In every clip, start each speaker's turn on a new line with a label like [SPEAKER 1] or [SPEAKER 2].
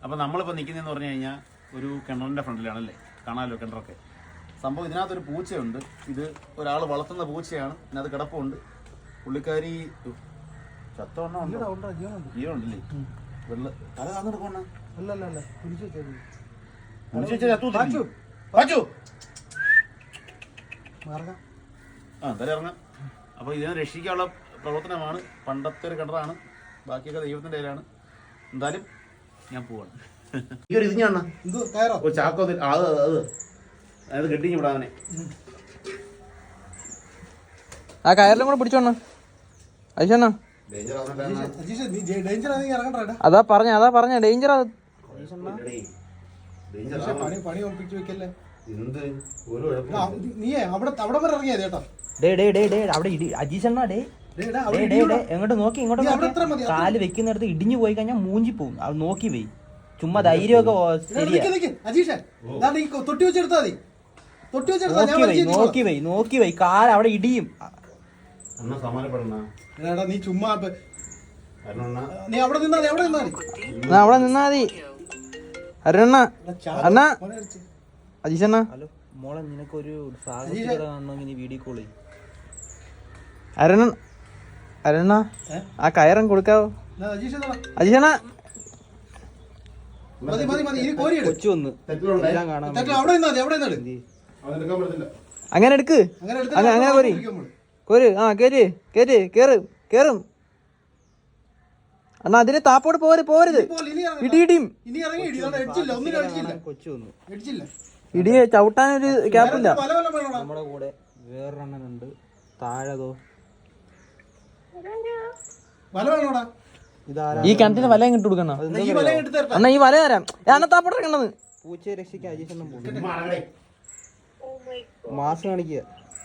[SPEAKER 1] അപ്പോൾ നമ്മളിപ്പോൾ നിൽക്കുന്നതെന്ന് പറഞ്ഞു കഴിഞ്ഞാൽ ഒരു കിണറിൻ്റെ ഫ്രണ്ടിലാണല്ലേ, കാണാമല്ലോ കിണറൊക്കെ. സംഭവം ഇതിനകത്തൊരു പൂച്ചയുണ്ട്. ഇത് ഒരാൾ വളർത്തുന്ന പൂച്ചയാണ്. ഇതിനകത്ത് കിടപ്പുണ്ട്. പുള്ളിക്കാരി ചത്തോണ്ണുണ്ടല്ലേ, വെള്ള തല താന്നെടുക്കണ എന്തായാലും ഇറങ്ങാം. അപ്പോൾ ഇതിനെ രക്ഷിക്കാനുള്ള പ്രവർത്തനമാണ്. പണ്ടത്തെ ഒരു കിണറാണ്, ബാക്കിയൊക്കെ ദൈവത്തിൻ്റെ കയ്യിലാണ്. എന്തായാലും ഞാൻ പോവാണ്. ഇത് ഞാൻ ചാക്കോ അത് കെട്ടി വിടാനെ.
[SPEAKER 2] ആ കയറിലും കൂടെ പിടിച്ചോണ്ണ അയച്ചണ്ണ. അതാ പറഞ്ഞ ഡേഞ്ചർ.
[SPEAKER 3] എങ്ങോട്ട് നോക്കി ഇങ്ങോട്ട് കാല് വെക്കുന്നിടത്ത് ഇടിഞ്ഞു പോയി കഴിഞ്ഞാൽ മൂഞ്ചി പോവും. അത് നോക്കി പോയി ചുമ്മാ ധൈര്യമൊക്കെ നോക്കി പോയി കാല് അവിടെ ഇടിയും.
[SPEAKER 4] നീ ചുമ്മാ നീ അവിടെ
[SPEAKER 2] നിന്നാ മതി. അരുണ അണ്ണ അജീഷണ്ണ.
[SPEAKER 3] ഹലോ മോളെ, നിനക്കൊരു സാഹചര്യം കാണണമെങ്കിൽ നീ വീഡിയോ കോൾ ചെയ്യും.
[SPEAKER 2] അരുണ ആ കയറും കൊടുക്കാവോ അജീഷണ്ണ?
[SPEAKER 3] കൊച്ചു വന്ന്
[SPEAKER 2] അങ്ങനെ എടുക്ക്. അങ്ങനെ കോര്. ആ കേറും. അണ്ണാ അതിന് താപ്പോട്ട് പോരുത്. ഇടിയും ഇടിയെ ചവിട്ടാനൊരു ഗ്യാപ്പില്ല.
[SPEAKER 3] നമ്മുടെ കൂടെ വേറൊരെണ്ണനുണ്ട് താഴതോ.
[SPEAKER 2] ഈ കിണറ്റിന് വലയും കിട്ടു കൊടുക്കണ. അണ്ണാ ഈ വല തരാം. അണ്ണാ താപ്പോട്ട് ഇറങ്ങണത്.
[SPEAKER 3] പൂച്ചയെ രക്ഷിക്കാൻ അജീഷെണ്ണം പോകും. മാസം കാണിക്കുക.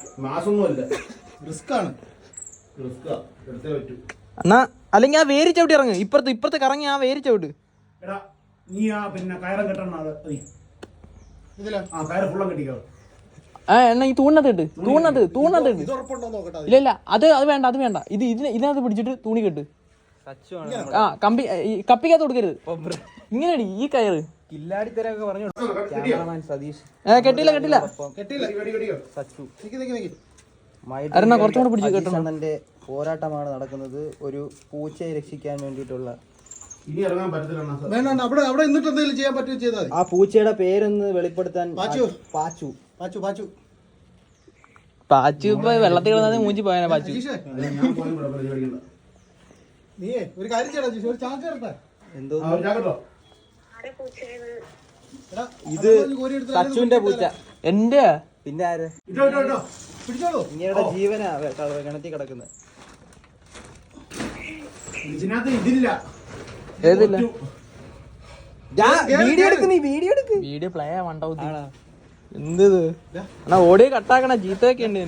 [SPEAKER 2] അണ്ണാ അല്ലെങ്കിൽ ആ വേര് ചവിട്ടി ഇറങ്ങ്. ഇപ്പുറത്ത് കറങ്ങി ആ വേര് ചവിട്ട്.
[SPEAKER 1] നീ ആ പിന്നെ കയറും കെട്ടണം.
[SPEAKER 2] എണ്ണ ഈ തൂണിനകത്ത് ഇല്ല അത് വേണ്ട. ഇതിനകത്ത് പിടിച്ചിട്ട് തൂണി കെട്ട്. ആ കപ്പിക്കകത്ത് കൊടുക്കരുത്. ഇങ്ങനെയാണ് ഈ കയറ്.
[SPEAKER 3] കില്ലാടിത്തരൊക്കെ പറഞ്ഞു. ക്യാമറമാൻ സതീഷ്.
[SPEAKER 2] കെട്ടില്ല. കുറച്ചുകൂടെ പിടിച്ച് കെട്ടണം.
[SPEAKER 3] അണ്ണന്റെ പോരാട്ടമാണ് നടക്കുന്നത്. ഒരു പൂച്ചയെ രക്ഷിക്കാൻ വേണ്ടിയിട്ടുള്ള. ആ പൂച്ചയുടെ പേരൊന്ന് വെളിപ്പെടുത്താൻ.
[SPEAKER 2] പാച്ചു ഇപ്പൊ വെള്ളത്തിൽ കിടന്നത് മൂഞ്ചി പോയാ പാച്ചു.
[SPEAKER 3] എന്തോ ഇത് സച്ചുവിന്റെ പൂച്ച.
[SPEAKER 2] എന്റെ
[SPEAKER 3] പിന്നെ ആര്? ഇങ്ങയുടെ ജീവനാ കിണറ്റിൽ കിടക്കുന്നത്.
[SPEAKER 2] വീഡിയോ പ്ലേ ആവണ്ടാവും. എന്ത് എന്നാ ഓടിയോ കട്ടാക്കണ ജീത്തൊക്കെ ഉണ്ട്.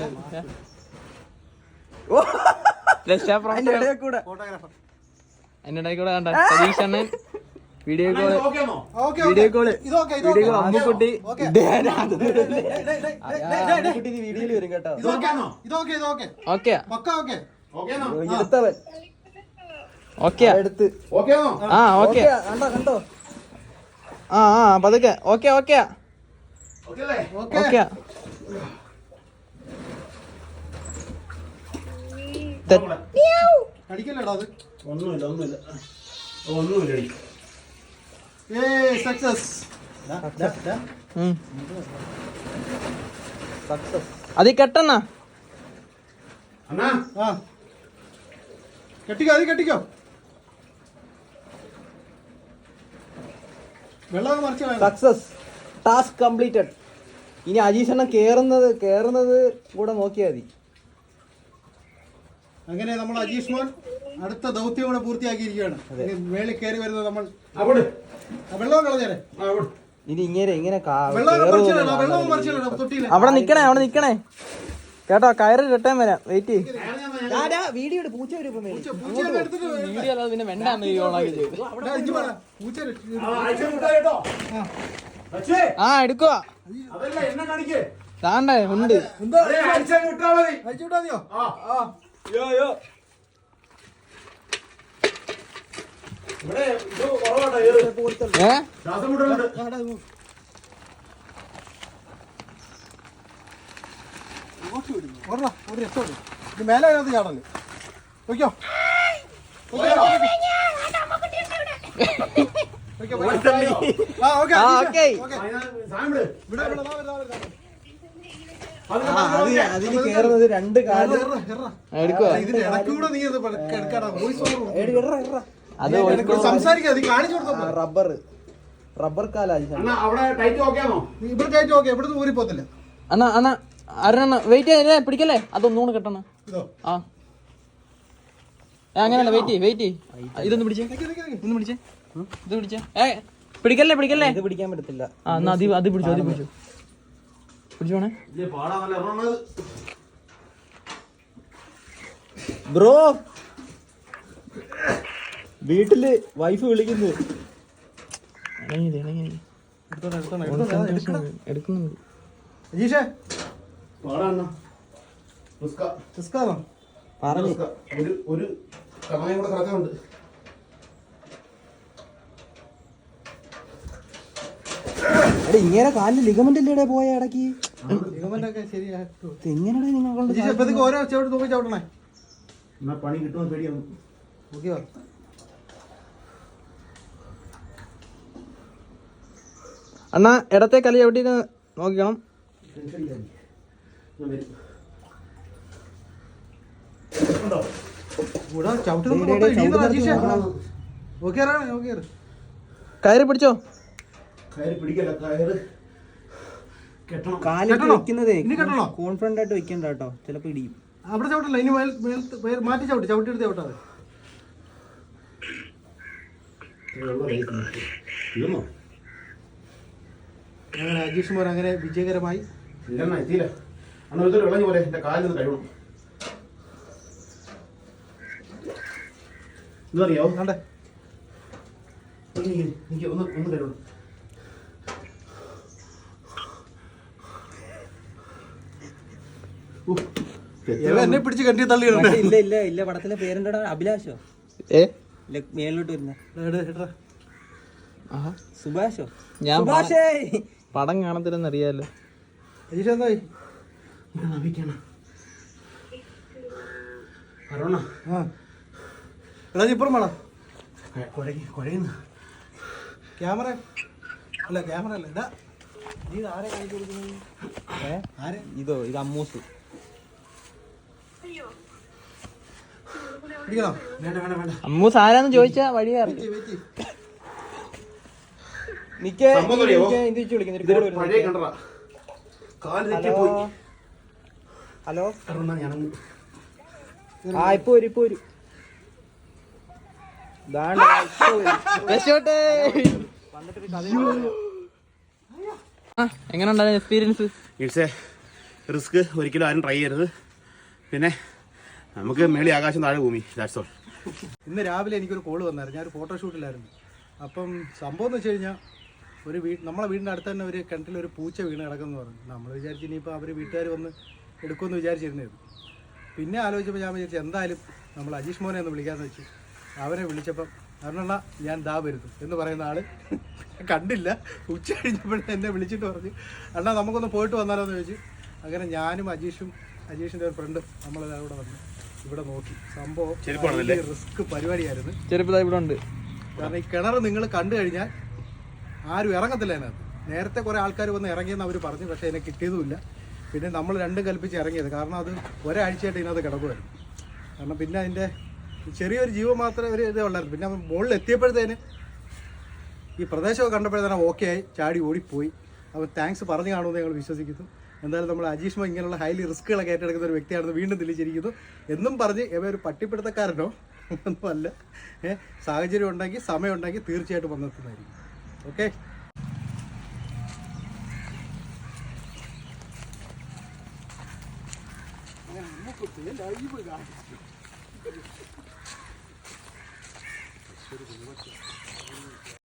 [SPEAKER 2] അതിനിടയിൽ കൂടെ കണ്ട സതീഷ് അണ്ണൻ വീഡിയോ കോള് അമ്മുക്കുട്ടി
[SPEAKER 3] വീഡിയോയിൽ വരും കേട്ടോ.
[SPEAKER 2] ഓക്കെ
[SPEAKER 3] എടുത്തവൻ
[SPEAKER 2] ഓക്കെ
[SPEAKER 3] എടുത്ത്.
[SPEAKER 2] ആ ഓക്കെ
[SPEAKER 3] കണ്ടോ.
[SPEAKER 2] ആ പതുക്കെ. ഓക്കെ അത് കെട്ടണ്ണ.
[SPEAKER 4] കെട്ടിക്കോ.
[SPEAKER 3] Success, task completed. ഇനി അജീഷണ്ണൻ കേറുന്നത് കൂടെ നോക്കിയാൽ മതി.
[SPEAKER 4] അങ്ങനെ നമ്മൾ അജീഷ് മോൻ അടുത്ത ദൗത്യം കൂടെ പൂർത്തിയാക്കിയിരിക്കുകയാണ്. മേളിൽ കയറി വരുന്നത് നമ്മൾ വെള്ളം കളഞ്ഞേരെ.
[SPEAKER 3] ഇനി ഇങ്ങനെ
[SPEAKER 2] അവിടെ നിക്കണേ കേട്ടോ. കയറ് കെട്ടാൻ വരാം. വെയിറ്റ്.
[SPEAKER 3] വീഡിയോ പൂച്ച വരും.
[SPEAKER 2] വീഡിയോ അല്ലാതെ പിന്നെ വെണ്ടാന്ന് എടുക്കുക. താണ്ടേ ഉണ്ട്.
[SPEAKER 1] ഇവിടെ ഇത് കുറവാട്ടോ ഏറ്. ശ്വാസം മുട്ടലുണ്ട്.
[SPEAKER 4] ഒരു രക്ഷമുണ്ട്. ഇത് മേലെ അതിനകത്ത് ചാടല് നോക്കിയോ
[SPEAKER 3] അതിന് കേറുന്നത് രണ്ട് കാല്
[SPEAKER 4] ഇതിന്റെ ഇടയ്ക്കൂടെ നീ എടുക്കാടാ വോയിസ്
[SPEAKER 2] അത്
[SPEAKER 4] സംസാരിക്കാതെ കാണിച്ചു കൊടുത്തോ
[SPEAKER 3] റബ്ബർ കാലാ
[SPEAKER 1] അണ്ണാ അവിടെ ടൈറ്റ് നോക്കിയാണോ?
[SPEAKER 4] ഇവിടെ കയറ്റി നോക്കിയാ ഇവിടുന്ന് ഊരി പോത്തില്ല.
[SPEAKER 2] അണ്ണാ അണ്ണാ അരണ വെയിറ്റ് ചെയ്യേ പിടിക്കല്ലേ അതൊന്നുകൂടെ കെട്ടണ
[SPEAKER 4] ഇതോ
[SPEAKER 2] ആ അങ്ങനല്ല വെയിറ്റ് ഇതൊന്ന് പിടിച്ചേ ഒന്ന് പിടിച്ചേ ഇത് പിടിച്ചേ പിടിക്കല്ലേ
[SPEAKER 3] ഇത് പിടിക്കാൻ പറ്റത്തില്ല.
[SPEAKER 2] ആ എന്നാ അത് പിടിച്ചു പിടിച്ചോണേ
[SPEAKER 1] ഇല്ലേ പാടാന്നല്ല ഇറങ്ങണത്.
[SPEAKER 3] ബ്രോ വീട്ടില് വൈഫ് വിളിക്കുന്നു.
[SPEAKER 2] എടുക്കുന്നുണ്ട്
[SPEAKER 4] അജീഷേ
[SPEAKER 1] പാടാണ്ണ റിസ്ക
[SPEAKER 4] റിസ്കാണോ
[SPEAKER 3] പറഞ്ഞു
[SPEAKER 1] ഒരു കണയും കൂടെ കിടക്കുന്നുണ്ട്.
[SPEAKER 3] എടാ ഇങ്ങനെ കാലിൽ ലിഗമെന്റ് അല്ലേടെ പോയ ഇടയ്ക്ക്
[SPEAKER 4] ലിഗമെന്റൊക്കെ ശരിയാക്കും.
[SPEAKER 3] എങ്ങനെയാ നിങ്ങൾ
[SPEAKER 4] അജീഷേ ഇപ്പത്തേക്ക് ഓരോ ചവിട്ട് നോക്കി ചവിട്ടണേ
[SPEAKER 1] എന്നാ പണി കിട്ടുമെന്ന് പേടിയാണ്.
[SPEAKER 4] നോക്കിയോ
[SPEAKER 2] അണ്ണാ ഇടത്തെ കലി എവിടെ നോക്കണം
[SPEAKER 4] ഇവിടെ ചവിട്ട് അജീഷേ നോക്കിയാറാണ് നോക്കിയാറ്
[SPEAKER 2] കയറി പിടിച്ചോ
[SPEAKER 1] കയറി പിടിക്കല്ല കയറ് കെട്ടണം.
[SPEAKER 3] കാലിട്ട് വെക്കുന്നതേ
[SPEAKER 4] ഇനി കെട്ടണോ?
[SPEAKER 3] കോൺഫിഡന്റ് ആയിട്ട് വെക്കണ്ട കേട്ടോ, ചിലപ്പോ ഇടിയും.
[SPEAKER 4] അവിടെ ചവിട്ടല്ല ഇനി മാറ്റി ചവിട്ടിയെടുത്ത് ചവിട്ടാതെ
[SPEAKER 1] തീർന്നോ?
[SPEAKER 4] അങ്ങനെ അജീഷ് മോൻ അങ്ങനെ വിജയകരമായി
[SPEAKER 1] ഇല്ലെന്നാ എത്തിയില്ല. അണ്ണാ ഇതൊരു വിളഞ്ഞു പോലെ എന്റെ കാലിൽ നിന്ന് കഴിയണം. ഇതറിയോ?
[SPEAKER 4] കണ്ടേ
[SPEAKER 1] എനിക്ക് ഒന്ന് കഴിയണം.
[SPEAKER 4] എന്നെ പിടിച്ച് കണ്ടി തള്ളിയിടണ്ടേ
[SPEAKER 3] ഇല്ല ഇല്ല ഇല്ല പടത്തിലെ പേരെന്താ? അഭിലാഷോ മേലോട്ട് വരുന്ന സുഭാഷോ?
[SPEAKER 2] ഞാൻ
[SPEAKER 3] സുഭാഷേ
[SPEAKER 2] പടം കാണത്തില്ലെന്ന് അറിയാലോ.
[SPEAKER 4] അജീഷ് എന്തായി ആ എടാ ഇപ്പുറം വേണം ക്യാമറ അല്ല എടാ നീ ആരെ കാണിച്ചു കൊടുക്കുന്നത്? ആരെ
[SPEAKER 3] ഇതോ ഇത് അമ്മൂസ്.
[SPEAKER 4] പിടിക്കണോ?
[SPEAKER 2] അമ്മു സാരാന്ന് ചോദിച്ചാ വഴി അറിയാം.
[SPEAKER 3] ഹലോ ആ ഇപ്പൊ വരും
[SPEAKER 2] എങ്ങനെ ഉണ്ടായിരുന്നു എക്സ്പീരിയൻസ്?
[SPEAKER 1] It's A risk. ഒരിക്കലും ആരും ട്രൈ ചെയ്യരുത്. പിന്നെ നമുക്ക് മേളി ആകാശം താഴെ ഭൂമി. That's all.
[SPEAKER 4] ഇന്ന് രാവിലെ എനിക്കൊരു കോള് വന്നായിരുന്നു. ഞാനൊരു ഫോട്ടോഷൂട്ടിലായിരുന്നു. അപ്പം സംഭവം എന്ന് വെച്ച് കഴിഞ്ഞാൽ നമ്മളെ വീടിൻ്റെ അടുത്ത് തന്നെ ഒരു കിണറ്റിലൊരു പൂച്ച വീണ് കിടക്കുമെന്ന് പറഞ്ഞു. നമ്മൾ വിചാരിച്ചു ഇനിയിപ്പോൾ അവർ വീട്ടുകാർ വന്ന് എടുക്കുമെന്ന് വിചാരിച്ചിരുന്നത്. പിന്നെ ആലോചിച്ചപ്പോൾ ഞാൻ വിചാരിച്ചു എന്തായാലും നമ്മൾ അജീഷ് മോനെ ഒന്ന് വിളിക്കാമെന്ന് വെച്ചു. അവനെ വിളിച്ചപ്പം അവനെണ്ണ ഞാൻ ദാ വരുന്നു എന്ന് പറയുന്ന ആൾ കണ്ടില്ല. ഉച്ച കഴിഞ്ഞപ്പോഴും എന്നെ വിളിച്ചിട്ട് പറഞ്ഞു അണ്ണാ നമുക്കൊന്ന് പോയിട്ട് വന്നാലോ എന്ന് ചോദിച്ചു. അങ്ങനെ ഞാനും അജീഷിൻ്റെ ഒരു ഫ്രണ്ടും നമ്മളെല്ലാവരും വന്നു ഇവിടെ നോക്കി. സംഭവം റിസ്ക് പരിപാടിയായിരുന്നു.
[SPEAKER 2] ചെറുപ്പം ഇവിടെ ഉണ്ട്.
[SPEAKER 4] കാരണം ഈ കിണർ നിങ്ങൾ കണ്ടു കഴിഞ്ഞാൽ ആരും ഇറങ്ങത്തില്ല അതിനകത്ത്. നേരത്തെ കുറേ ആൾക്കാർ വന്ന് ഇറങ്ങിയെന്ന് അവർ പറഞ്ഞു, പക്ഷേ എന്നെ കിട്ടിയതുമില്ല. പിന്നെ നമ്മൾ രണ്ടും കൽപ്പിച്ച് ഇറങ്ങിയത്. കാരണം അത് ഒരാഴ്ചയായിട്ട് ഇതിനകത്ത് കിടക്കുമായിരുന്നു. കാരണം പിന്നെ അതിൻ്റെ ചെറിയൊരു ജീവൻ മാത്രമേ ഒരു ഇതേ ഉള്ളായിരുന്നു. പിന്നെ മുകളിൽ എത്തിയപ്പോഴത്തേന് ഈ പ്രദേശമൊക്കെ കണ്ടപ്പോഴത്തേനും ഓക്കെ ആയി, ചാടി ഓടിപ്പോയി. അപ്പോൾ താങ്ക്സ് പറഞ്ഞു കാണുമെന്ന് ഞങ്ങൾ വിശ്വസിക്കുന്നു. എന്തായാലും നമ്മൾ അജീഷ് മോ ഇങ്ങനെയുള്ള ഹൈലി റിസ്ക്കുകളൊക്കെ ഏറ്റെടുക്കുന്ന ഒരു വ്യക്തിയാണെന്ന് വീണ്ടും തെളിയിച്ചിരിക്കുന്നു. എന്നും പറഞ്ഞ് ഇവ ഒരു പട്ടിപ്പിടുത്തക്കാരനോ ഒന്നുമല്ല. സാഹചര്യം ഉണ്ടെങ്കിൽ സമയം ഉണ്ടെങ്കിൽ തീർച്ചയായിട്ടും വന്നെത്തുന്നതായിരിക്കും. ഓക്കെ.